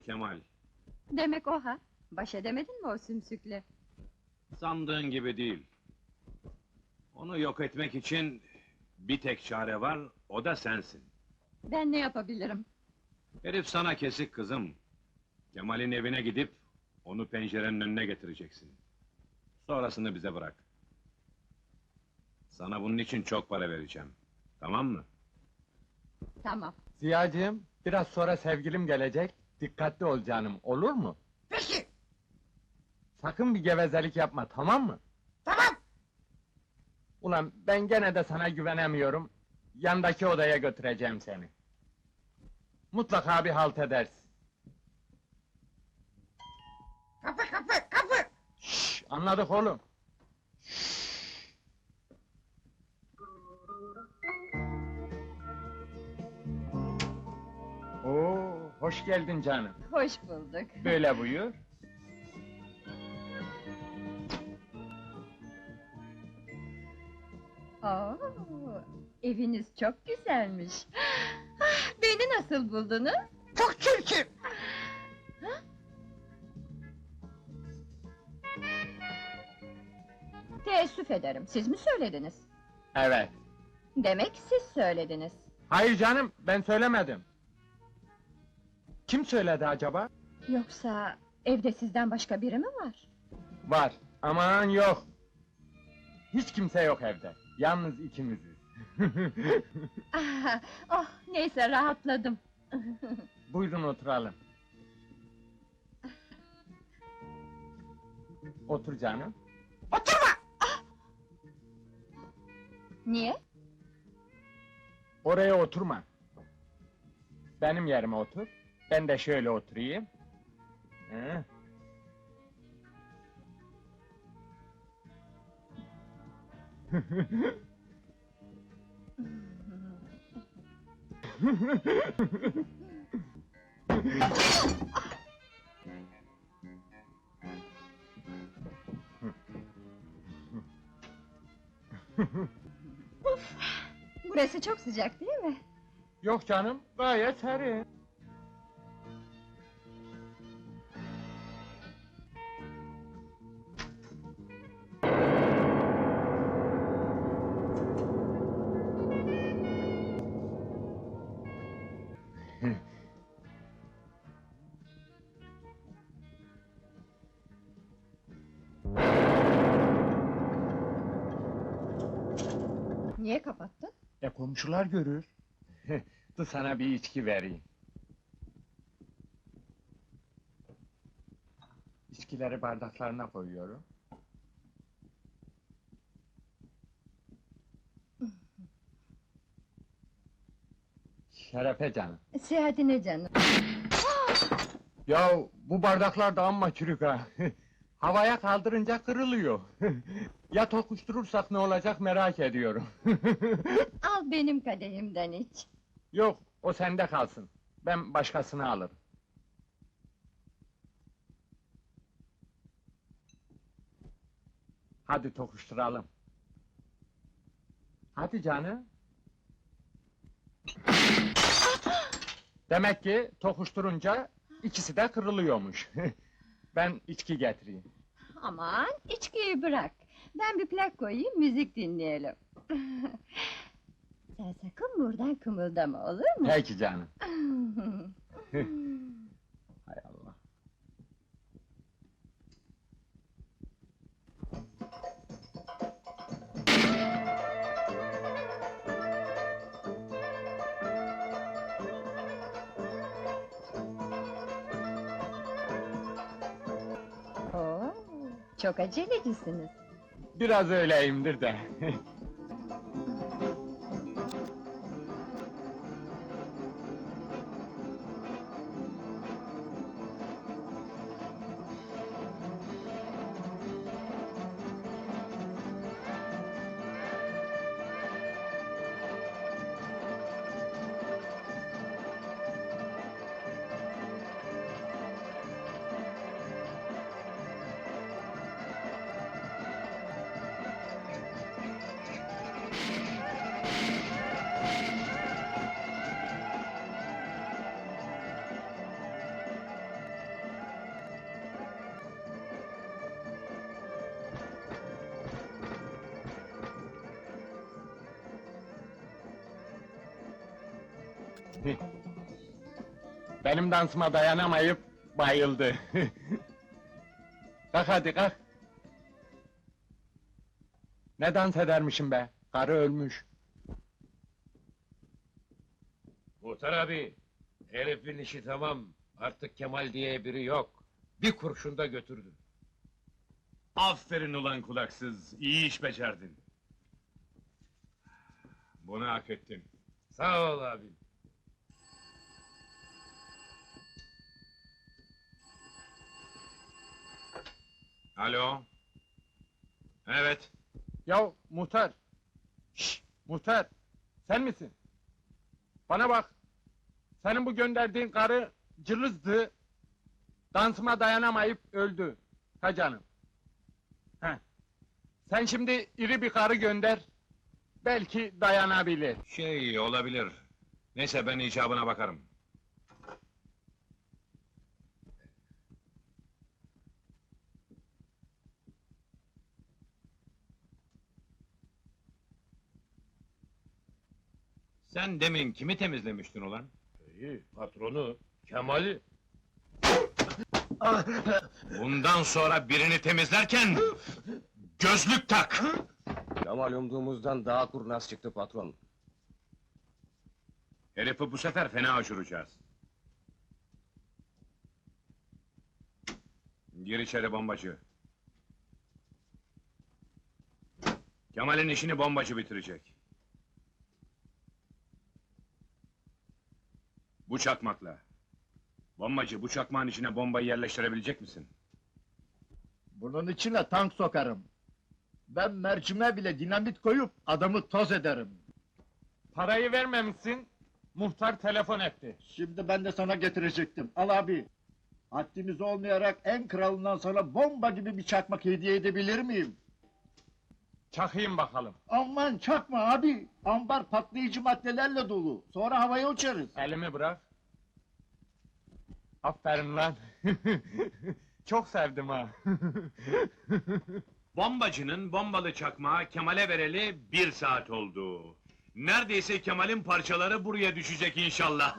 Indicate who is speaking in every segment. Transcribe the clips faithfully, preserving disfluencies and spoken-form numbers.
Speaker 1: Kemal,
Speaker 2: Demek o ha? Baş edemedin mi o sümsükle?
Speaker 1: sandığın gibi değil. Onu yok etmek için bir tek çare var, o da sensin.
Speaker 2: Ben ne yapabilirim?
Speaker 1: Herif sana kesik kızım. Kemal'in evine gidip, onu pencerenin önüne getireceksin. Sonrasını bize bırak. Sana bunun için çok para vereceğim. Tamam mı?
Speaker 2: Tamam.
Speaker 3: Ziyacığım, biraz sonra sevgilim gelecek. Dikkatli ol canım, olur mu?
Speaker 4: Peki,
Speaker 3: Sakın bir gevezelik yapma, tamam mı?
Speaker 4: tamam.
Speaker 3: Ulan ben gene de sana güvenemiyorum. Yandaki odaya götüreceğim seni. Mutlaka bir halt edersin.
Speaker 4: Kapı, kapı, kapı.
Speaker 3: Şşş, anladık oğlum. Oo, hoş geldin canım.
Speaker 2: Hoş bulduk.
Speaker 3: Böyle buyur.
Speaker 2: Oo, eviniz çok güzelmiş. Ah, beni nasıl buldunuz?
Speaker 4: Çok çirkin.
Speaker 2: Teessüf ederim, siz mi söylediniz?
Speaker 3: Evet.
Speaker 2: Demek siz söylediniz.
Speaker 3: Hayır canım, ben söylemedim. Kim söyledi acaba?
Speaker 2: Yoksa evde sizden başka biri mi var?
Speaker 3: Var. Aman yok. Hiç kimse yok evde. Yalnız ikimiziz.
Speaker 2: Ah, oh, neyse rahatladım.
Speaker 3: Buyurun oturalım. Otur canım.
Speaker 4: Oturma.
Speaker 2: Niye?
Speaker 3: Oraya oturma. Benim yerime otur. Ben de şöyle oturayım. Hı.
Speaker 2: Burası çok sıcak değil mi?
Speaker 3: Yok canım, gayet serin.
Speaker 2: Niye kapattın?
Speaker 3: E komşular görür. Dur sana bir içki vereyim. İçkileri bardaklarına koyuyorum. Şerefe canım.
Speaker 2: Seyahatine canım.
Speaker 3: Ya bu bardaklar da amma çürük ha. Havaya kaldırınca kırılıyor. Ya tokuşturursak ne olacak merak ediyorum.
Speaker 2: Al benim kadehimden iç.
Speaker 3: Yok, o sende kalsın. Ben başkasını alırım. Hadi tokuşturalım. Hadi canım. Demek ki tokuşturunca ikisi de kırılıyormuş. Ben içki getireyim.
Speaker 2: Aman, içkiyi bırak. Ben bir plak koyayım, müzik dinleyelim. Sen sakın buradan kımıldama, olur mu?
Speaker 3: Peki canım. Hay Allah.
Speaker 2: Oo, çok acelecisiniz.
Speaker 3: Biraz öyleyimdir de. Benim dansıma dayanamayıp bayıldı. Kalk hadi kalk. Ne dans edermişim be? Karı ölmüş.
Speaker 5: Muhtar abi, herifin işi tamam. Artık Kemal diye biri yok. Bir kurşunda götürdü.
Speaker 1: Aferin ulan kulaksız, iyi iş becerdin. Bunu hak ettin.
Speaker 5: Sağ ol abi.
Speaker 1: Alo? Evet.
Speaker 3: Ya muhtar. Şşş, muhtar. Sen misin? Bana bak. Senin bu gönderdiğin karı cılızdı. Dansıma dayanamayıp öldü. Ha canım. Heh. Sen şimdi iri bir karı gönder. Belki dayanabilir.
Speaker 1: Şey olabilir. Neyse ben icabına bakarım. Sen demin kimi temizlemiştin ulan?
Speaker 5: İyi, patronu, Kemal'i.
Speaker 1: Bundan sonra birini temizlerken gözlük tak!
Speaker 5: Kemal umduğumuzdan daha kurnaz çıktı patron.
Speaker 1: Herifi bu sefer fena uçuracağız. Gir içeri bombacı. Kemal'in işini bombacı bitirecek. Bu çakmakla. Bombacı, bu çakmağın içine bombayı yerleştirebilecek misin?
Speaker 6: Bunun içine tank sokarım. Ben mercime bile dinamit koyup adamı toz ederim.
Speaker 3: Parayı vermemişsin. Muhtar telefon etti.
Speaker 6: Şimdi ben de sana getirecektim. Al abi. Haddimiz olmayarak en kralından sana bomba gibi bir çakmak hediye edebilir miyim?
Speaker 3: Çakayım bakalım.
Speaker 6: Aman çakma abi. Ambar patlayıcı maddelerle dolu. Sonra havaya uçarız.
Speaker 3: Elimi bırak. Aferin lan. Çok sevdim ha.
Speaker 1: Bombacının bombalı çakmağı Kemal'e vereli bir saat oldu. Neredeyse Kemal'in parçaları buraya düşecek inşallah.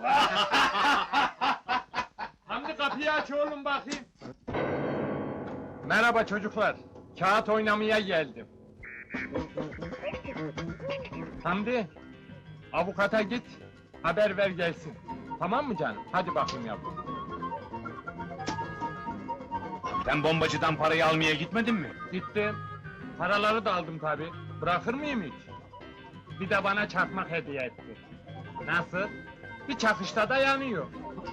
Speaker 3: Hamdi kapıyı aç oğlum bakayım. Merhaba çocuklar. Kağıt oynamaya geldim. Hamdi, avukata git, haber ver gelsin. Tamam mı canım? Hadi bakayım yavrum.
Speaker 1: Sen bombacıdan parayı almaya gitmedin mi?
Speaker 3: Gittim. Paraları da aldım tabi. Bırakır mıyım hiç? Bir de bana çakmak hediye etti. Nasıl? Bir çakışta da yanıyor.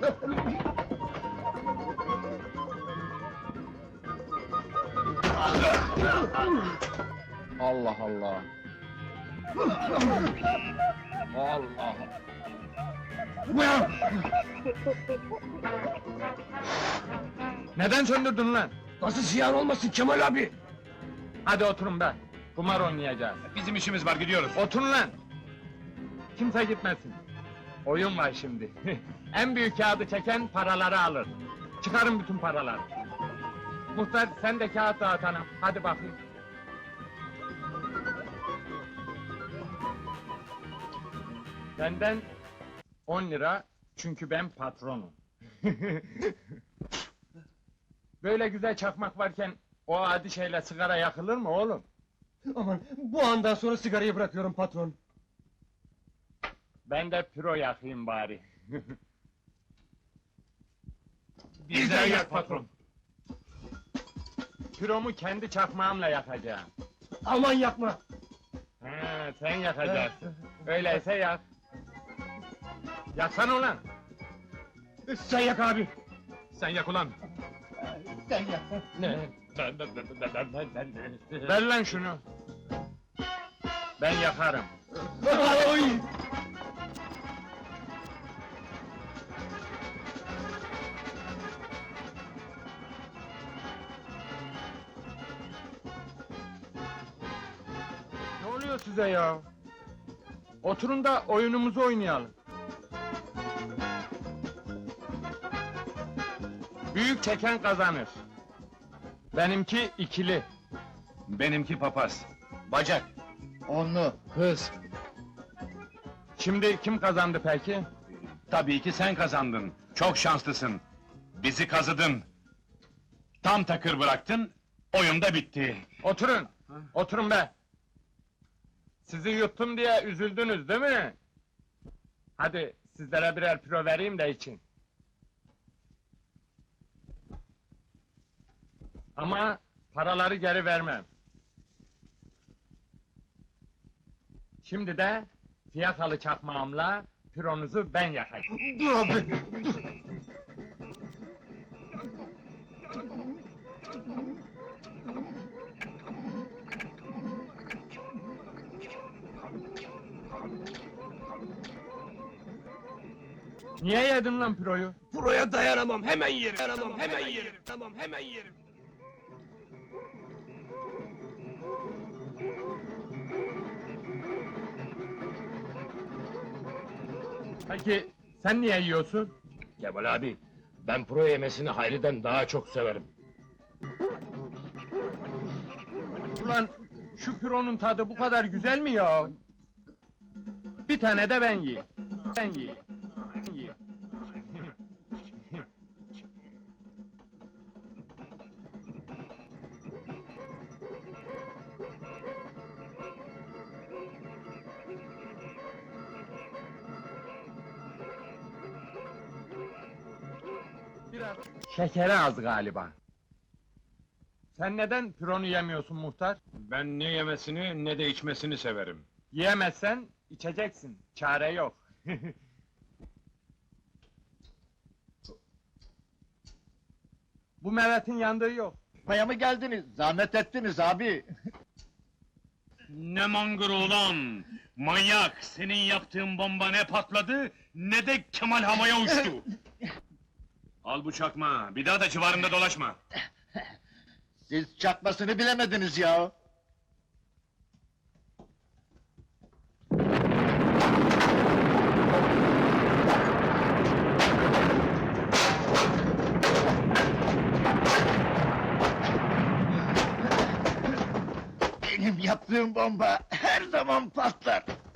Speaker 3: Allah Allah. Allah. Neden söndürdün lan?
Speaker 5: Nasıl ziyan olmasın Kemal abi?
Speaker 3: Hadi oturun be. Kumar oynayacağız.
Speaker 1: Bizim işimiz var, gidiyoruz.
Speaker 3: Oturun lan! Kimse gitmesin. Oyun var şimdi. En büyük kağıdı çeken paraları alır. Çıkarın bütün paraları. Muhtar sen de kağıt dağıt hanım. Hadi bakayım. Benden on lira çünkü ben patronum. Böyle güzel çakmak varken o adi şeyle sigara yakılır mı oğlum?
Speaker 6: Aman bu andan sonra sigarayı bırakıyorum patron.
Speaker 3: Ben de püro yakayım bari.
Speaker 1: Bizden yak patron.
Speaker 3: Püromu kendi çakmağımla yakacağım.
Speaker 6: Aman yapma.
Speaker 3: He, sen yakacaksın. Öyleyse yak. Yaksana ulan!
Speaker 6: Sen yak abi.
Speaker 1: Sen yak ulan.
Speaker 6: Sen yak.
Speaker 3: Ne? Ver lan şunu! Ben yakarım.
Speaker 6: Oy!
Speaker 3: Ne oluyor size ya? Oturun da oyunumuzu oynayalım. Büyük çeken kazanır. Benimki ikili.
Speaker 1: Benimki papaz.
Speaker 5: Bacak.
Speaker 6: Onlu. Hız.
Speaker 3: Şimdi kim kazandı peki?
Speaker 1: Tabii ki sen kazandın. Çok şanslısın. Bizi kazıdın. Tam takır bıraktın, oyun da bitti.
Speaker 3: Oturun, oturun be! Sizi yuttum diye üzüldünüz değil mi? Hadi sizlere birer püro vereyim de için. Ama paraları geri vermem. Şimdi de fiyakalı çakmağımla püronuzu ben yakayım.
Speaker 4: Dur abi.
Speaker 3: Niye yedin lan püroyu?
Speaker 7: Buraya dayanamam, hemen yerim. Dayanamam, hemen yerim. Tamam, hemen yerim.
Speaker 3: Peki sen niye yiyorsun?
Speaker 5: Kemal abi, ben pro yemesini Hayri'den daha çok severim.
Speaker 3: Ulan şu püronun tadı bu kadar güzel mi ya? Bir tane de ben yiyeyim. Ben yiyeyim. Ben yiyeyim. Biraz şekeri az galiba. Sen neden püronu yemiyorsun muhtar?
Speaker 1: Ben ne yemesini ne de içmesini severim.
Speaker 3: Yiyemezsen içeceksin. Çare yok. Bu Mehmet'in yandığı yok.
Speaker 6: Maya mı geldiniz? Zahmet ettiniz abi.
Speaker 1: Ne mangır ulan! Manyak! Senin yaptığın bomba ne patladı, ne de Kemal havaya uçtu! Al bu çakma, bir daha da civarında dolaşma!
Speaker 6: Siz çakmasını bilemediniz ya. Benim yaptığım bomba her zaman patlar.